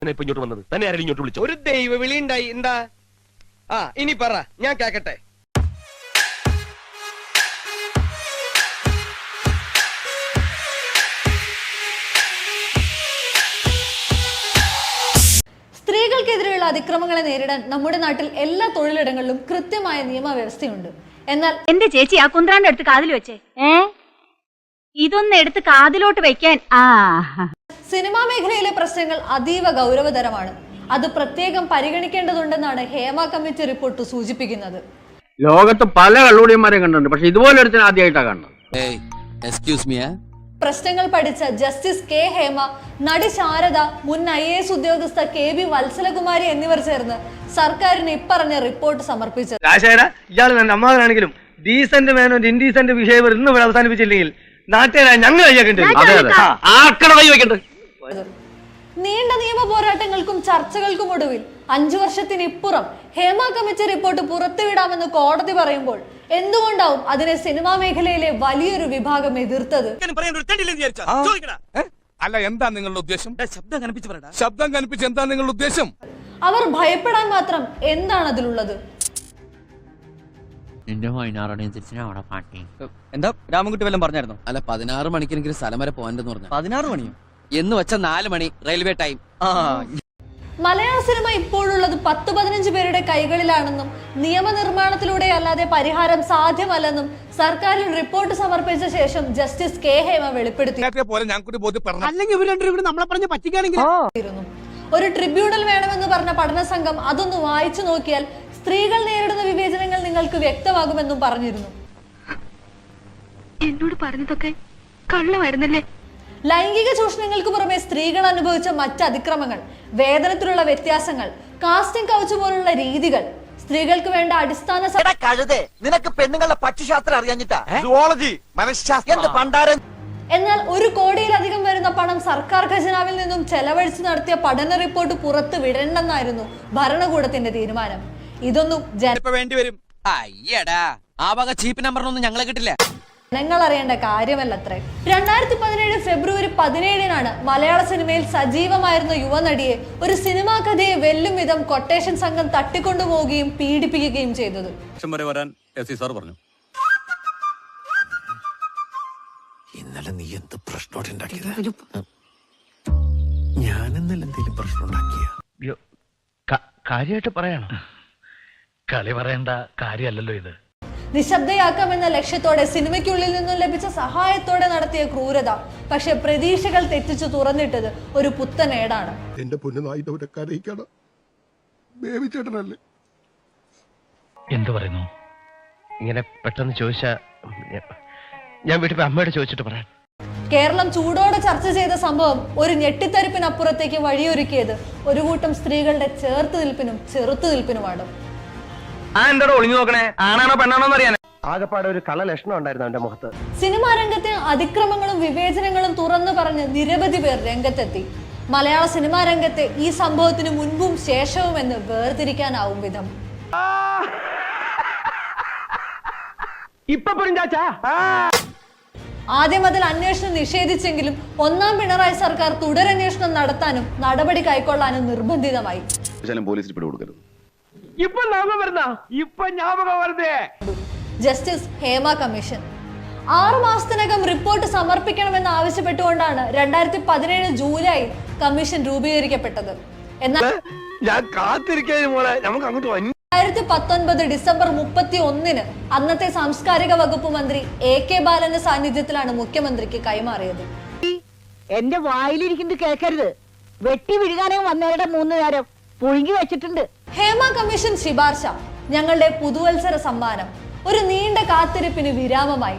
ഇപ്പൊ ഇങ്ങോട്ട് വന്നത് തന്നെ ആരെങ്കിലും ഇങ്ങോട്ട് വിളിച്ചു? ഒരു ദൈവ വിളി ഉണ്ടായി. എന്താ? ഇനി പറ, ഞാൻ കേക്കട്ടെ. സ്ത്രീകൾക്കെതിരെയുള്ള അതിക്രമങ്ങളെ നേരിടാൻ നമ്മുടെ നാട്ടിൽ എല്ലാ തൊഴിലിടങ്ങളിലും കൃത്യമായ നിയമവ്യവസ്ഥയുണ്ട്. എന്നാൽ എന്റെ ചേച്ചി ആ കുന്ത്രാന്റെ അടുത്ത് കാതിൽ വെച്ചേ, ഇതൊന്ന് എടുത്ത് കാതിലോട്ട് വെക്കാൻ. സിനിമാ മേഖലയിലെ പ്രശ്നങ്ങൾ അതീവ ഗൗരവതരമാണ്. അത് പ്രത്യേകം പരിഗണിക്കേണ്ടതുണ്ടെന്നാണ് ഹേമ കമ്മിറ്റി റിപ്പോർട്ട് സൂചിപ്പിക്കുന്നത്. ലോകത്ത് പല കള്ളുടിയന്മാരെ കണ്ടിട്ടുണ്ട്, പക്ഷെ ഇതുപോലെ ഒരുത്തിന് ആദ്യമായിട്ടാണ് കാണുന്നത്. പ്രശ്നങ്ങൾ പഠിച്ച ജസ്റ്റിസ് കെ ഹേമ, നടി ശാരദ, മുൻ IAS ഉദ്യോഗസ്ഥ KB വത്സലകുമാരി എന്നിവർ ചേർന്ന് സർക്കാരിന് ഇപ്പറഞ്ഞ റിപ്പോർട്ട് സമർപ്പിച്ചത്. ഇയാൾ ನನ್ನ അമ്മാവനാണെങ്കിലും ഡീസന്റ് മാനോ ഇൻഡീസന്റ് വിഷയം ഇന്ന് ഇവിടെ അവസാനിപ്പിച്ചില്ലെങ്കിൽ നാട്ടുകാരായ ഞങ്ങൾ നീണ്ട നിയമ പോരാട്ടങ്ങൾക്കും ചർച്ചകൾക്കും ഒടുവിൽ 5 വർഷത്തിനിപ്പുറം ഹേമ കമ്മിറ്റി റിപ്പോർട്ട് പുറത്തുവിടാമെന്ന് കോടതി പറയുമ്പോൾ എന്തുകൊണ്ടാവും അതിനെ സിനിമാ മേഖലയിലെ വലിയൊരു വിഭാഗം എതിർത്തത്? അല്ല, എന്താ നിങ്ങളുടെ ഉദ്ദേശം? ശബ്ദം കനിപ്പിച്ച് എന്താ നിങ്ങളുടെ ഉദ്ദേശം? അവർ ഭയപ്പെടാൻ മാത്രം എന്താണ് അതിലുള്ളത്? എന്താ രാമൻകുട്ടി വല്ലതും പറഞ്ഞായിരുന്നു? അല്ല, 16 മണിക്കെങ്കിലും സ്ഥലം വരെ പോകാനെന്ന് പറഞ്ഞു. 16 മണിയോ എന്ന് വെച്ച 4 മണി റെയിൽവേ ടൈം. മലയാള സിനിമ ഇപ്പോഴുള്ളത് 10-15 പേരുടെ കൈകളിലാണെന്നും നിയമനിർമ്മാണത്തിലൂടെ അല്ലാതെ പരിഹാരം സാധ്യമല്ലെന്നും സർക്കാരിൽ റിപ്പോർട്ട് സമർപ്പിച്ച ശേഷം ജസ്റ്റിസ് കെ ഹേമ വെളിപ്പെടുത്തി. ഒരു ട്രിബ്യൂണൽ വേണമെന്ന് പറഞ്ഞ പഠന സംഘം അതൊന്ന് വായിച്ചു നോക്കിയാൽ സ്ത്രീകൾ നേരിടുന്ന വിവേചനങ്ങൾ നിങ്ങൾക്ക് വ്യക്തമാകുമെന്നും പറഞ്ഞിരുന്നു. എന്നോട് പറഞ്ഞതൊക്കെ കള്ളമായിരുന്നല്ലേ? ലൈംഗിക ചൂഷണങ്ങൾക്ക് പുറമെ സ്ത്രീകൾ അനുഭവിച്ച മറ്റ് അതിക്രമങ്ങൾ, വേതനത്തിലുള്ള വ്യത്യാസങ്ങൾ, കാസ്റ്റിംഗ് കൗച്ച് പോലുള്ള രീതികൾ, സ്ത്രീകൾക്ക് വേണ്ട അടിസ്ഥാന നിനക്ക് പെണ്ണുങ്ങളുടെ പക്ഷിശാസ്ത്രം അറിയാഞ്ഞിട്ടാ? എന്നാൽ 1 കോടിയിലധികം വരുന്ന പണം സർക്കാർ ഖജനാവിൽ നിന്നും ചെലവഴിച്ച് നടത്തിയ പഠന റിപ്പോർട്ട് പുറത്തു വിടണമെന്നായിരുന്നു ഭരണകൂടത്തിന്റെ തീരുമാനം. ഇതൊന്നും വേണ്ടിവരും. അയ്യടാ, ആ വക ചീപ്പ് നമ്പറിനൊന്നും ഞങ്ങളെ കിട്ടില്ല. ജനങ്ങൾ അറിയേണ്ട കാര്യമല്ലത്രേ. 2017 ഫെബ്രുവരി 17 മലയാള സിനിമയിൽ സജീവമായിരുന്ന യുവനടിയെ ഒരു സിനിമാ കഥയെ വെല്ലും വിധം കൊട്ടേഷൻ സംഘം തട്ടിക്കൊണ്ടുപോവുകയും പീഡിപ്പിക്കുകയും ചെയ്തത്. ഇന്നലെ നീ എന്ത് പ്രശ്നമുണ്ടാക്കിയത്? ഞാൻ ഇന്നലെ എന്തെങ്കിലും പ്രശ്നമുണ്ടാക്കിയ കാര്യമായിട്ട് പറയണോ? കളി പറയേണ്ട കാര്യമല്ലല്ലോ ഇത്. നിശബ്ദയാക്കാമെന്ന ലക്ഷ്യത്തോടെ സിനിമയ്ക്കുള്ളിൽ നിന്നും ലഭിച്ച സഹായത്തോടെ നടത്തിയ ക്രൂരത പക്ഷെ പ്രതീക്ഷകൾ തെറ്റിച്ചു തുറന്നിട്ടത് ഒരു പുത്തനേടാണ്. എന്റെ പൊന്നുനായിട്ടല്ലേ എന്തു പറയുന്നു? ഇങ്ങനെ പെട്ടെന്ന് ചോദിച്ചാ ഞാൻ വീട്ടിൽ അമ്മയോട് ചോദിച്ചിട്ട് പറയാം. കേരളം ചൂടോടെ ചർച്ച ചെയ്ത സംഭവം ഒരു ഞെട്ടിത്തരിപ്പിനപ്പുറത്തേക്ക് വഴിയൊരുക്കിയത് ഒരു കൂട്ടം സ്ത്രീകളുടെ ചേർത്തുനിൽപ്പിനും ചെറുത്തുനിൽപ്പിനുമാണ്. എന്താ ഒളിഞ്ഞു നോക്കണേ? ആണാണോ പെണ്ണാണോ അറിയാൻ ആകെപ്പാടെ ഒരു കള്ള ലക്ഷണം ഉണ്ടായിരുന്നു അവന്റെ മുഖത്ത്. സിനിമാ രംഗത്തെ അതിക്രമങ്ങളും വിവേചനങ്ങളും തുറന്നു പറഞ്ഞ് നിരവധി പേർ രംഗത്തെത്തി. മലയാള സിനിമാ രംഗത്തെ ഈ സംഭവത്തിന് മുൻപും ശേഷവും എന്ന് വേർതിരിക്കാനാവും വിധം. ആദ്യം അതിൽ അന്വേഷണം നിഷേധിച്ചെങ്കിലും 1ാം പിണറായി സർക്കാർ തുടരന്വേഷണം നടത്താനും നടപടി കൈക്കൊള്ളാനും നിർബന്ധിതമായി. ജസ്റ്റിസ് ഹേമ കമ്മീഷൻ 6 മാസത്തിനകം റിപ്പോർട്ട് സമർപ്പിക്കണമെന്ന് ആവശ്യപ്പെട്ടുകൊണ്ടാണ് 2017 ജൂലൈ കമ്മീഷൻ രൂപീകരിക്കപ്പെട്ടത്. എന്നാൽ 2019 ഡിസംബർ 31 അന്നത്തെ സാംസ്കാരിക വകുപ്പ് മന്ത്രി AK ബാലന്റെ സാന്നിധ്യത്തിലാണ് മുഖ്യമന്ത്രിക്ക് കൈമാറിയത്. എന്റെ വായിലിരിക്കുന്നത് കേൾക്കരുത്. വെട്ടി വിഴുകാനേ വന്നവരുടെ 3 നേരം പുഴുങ്ങി വെച്ചിട്ടുണ്ട്. ഹേമ കമ്മീഷൻ ശിപാർശ ഞങ്ങളുടെ പുതുവത്സര സമ്മാനം. ഒരു നീണ്ട കാത്തിരിപ്പിന് വിരാമമായി.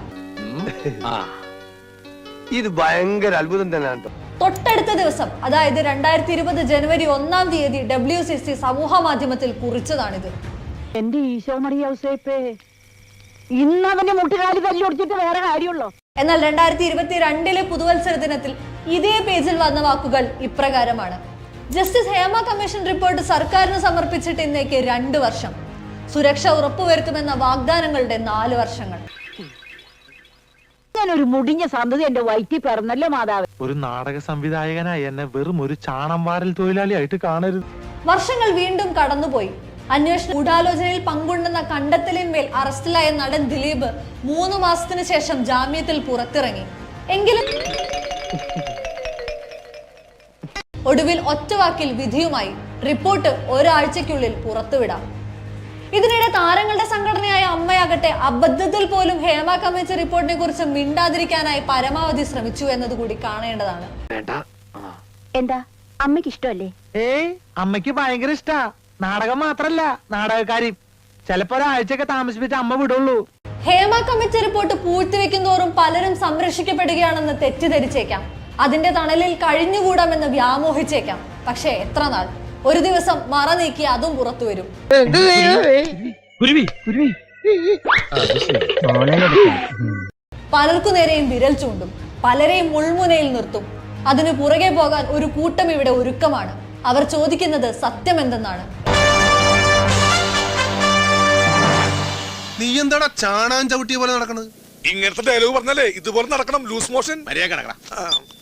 ഇത് ഭയങ്കര അത്ഭുതം തന്നെയാണ്. തൊട്ടടുത്ത ദിവസം, അതായത് 2020 ജനുവരി 1-ാം തീയതി WCC സമൂഹ മാധ്യമത്തിൽ കുറിച്ചതാണിത്. എന്റെ ഈശോ മറിയ ഔസേപ്പേ, ഇന്നവന്റെ മുട്ടുകാലി തല്ലി ഒടിച്ചിട്ട് വേറെ കാര്യമുള്ളോ? എന്നാൽ 2022 പുതുവത്സര ദിനത്തിൽ ഇതേ പേജിൽ വന്ന വാക്കുകൾ ഇപ്രകാരമാണ്: ജസ്റ്റിസ് ഹേമ കമ്മീഷൻ റിപ്പോർട്ട് സർക്കാരിന് സമർപ്പിച്ചിട്ട് ഇന്നേക്ക് 2 വർഷം. സുരക്ഷ ഉറപ്പുവരുത്തുമെന്ന വാഗ്ദാനങ്ങളുടെ 4 വർഷങ്ങൾ. ഇങ്ങനെ ഒരു മുടിഞ്ഞ സന്തതി എന്റെ വയറ്റിൽ പിറന്നല്ലോ മാതാവ്. ഒരു നാടക സംവിധായകനായി എന്നെ വെറും ഒരു ചാണം വാരൽ തൊഴിലാളിയായിട്ട് കാണരുത്. വർഷങ്ങൾ വീണ്ടും കടന്നുപോയി. അന്വേഷണ ഗൂഢാലോചനയിൽ പങ്കുണ്ടെന്ന കണ്ടെത്തലിന്മേൽ അറസ്റ്റിലായ നടൻ ദിലീപ് 3 മാസത്തിന് ശേഷം ജാമ്യത്തിൽ പുറത്തിറങ്ങി. എങ്കിലും ഒടുവിൽ ഒറ്റവാക്കിൽ വിധിയുമായി. റിപ്പോർട്ട് ഒരാഴ്ചയ്ക്കുള്ളിൽ പുറത്തുവിടാം. ഇതിനിടെ താരങ്ങളുടെ സംഘടനയായ അമ്മയാകട്ടെ അബദ്ധത്തിൽ പോലും ഹേമ കമ്മിറ്റി റിപ്പോർട്ടിനെ കുറിച്ച് മിണ്ടാതിരിക്കാനായി പരമാവധി ശ്രമിച്ചു എന്നതുകൂടി കാണേണ്ടതാണ്. എന്താ അമ്മയ്ക്ക് ഇഷ്ടമല്ലേ? ഏയ്, അമ്മയ്ക്ക് ഭയങ്കര ഇഷ്ടാ. നാടകം മാത്രല്ല, നാടകക്കാരി. ചിലപ്പോ ഒരാഴ്ചയൊക്കെ താമസിപ്പിച്ച് അമ്മ വിടുള്ളൂ. ഹേമ കമ്മിറ്റി റിപ്പോർട്ട് പൂഴ്ത്തിവെക്കും തോറും പലരും സംരക്ഷിക്കപ്പെടുകയാണെന്ന് തെറ്റിദ്ധരിച്ചേക്കാം. അതിന്റെ തണലിൽ കഴിഞ്ഞുകൂടാമെന്ന് വ്യാമോഹിച്ചേക്കാം. പക്ഷേ എത്ര നാൾ? ഒരു ദിവസം മറ നീക്കി അതും പുറത്തു വരും. പലർക്കു നേരെയും വിരൽ ചൂണ്ടും, പലരെയും മുൾമുനയിൽ നിർത്തും. അതിനു പുറകെ പോകാൻ ഒരു കൂട്ടം ഇവിടെ ഒരുക്കമാണ്. അവർ ചോദിക്കുന്നത് സത്യം എന്തെന്നാണ്. നീ എന്താടാ ചാണാൻ ചവിട്ടിയ പോലെ നടക്കണത്? ഇങ്ങനത്തെ ഡയലോഗ് പറഞ്ഞാലേ ഇതുപോലെ നടക്കണം. Loose motion.